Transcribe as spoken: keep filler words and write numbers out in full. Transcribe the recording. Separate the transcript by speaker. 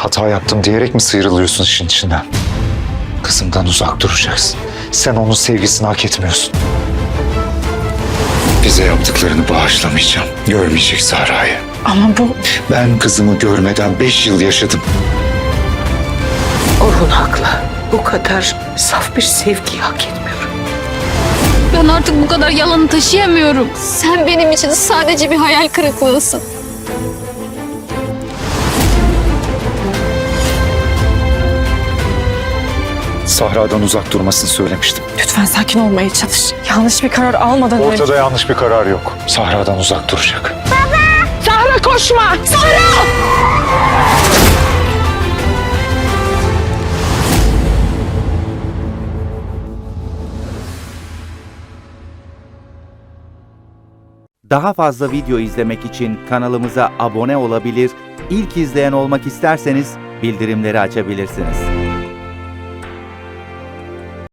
Speaker 1: Hata yaptım diyerek mi sıyrılıyorsun işin içinden? Kızımdan uzak duracaksın. Sen onun sevgisini hak etmiyorsun. Bize yaptıklarını bağışlamayacağım. Görmeyecek Sahra'yı.
Speaker 2: Ama bu...
Speaker 1: Ben kızımı görmeden beş yıl yaşadım.
Speaker 2: Orhun haklı. Bu kadar saf bir sevgiyi hak etmiyorum.
Speaker 3: Ben artık bu kadar yalanı taşıyamıyorum. Sen benim için sadece bir hayal kırıklığısın.
Speaker 1: Sahra'dan uzak durmasını söylemiştim.
Speaker 2: Lütfen sakin olmaya çalış. Yanlış bir karar almadan önce...
Speaker 1: Ortada yanlış bir karar yok. Sahra'dan uzak duracak.
Speaker 2: Sahra koşma! Sahra!
Speaker 4: Daha fazla video izlemek için kanalımıza abone olabilir, ilk izleyen olmak isterseniz bildirimleri açabilirsiniz.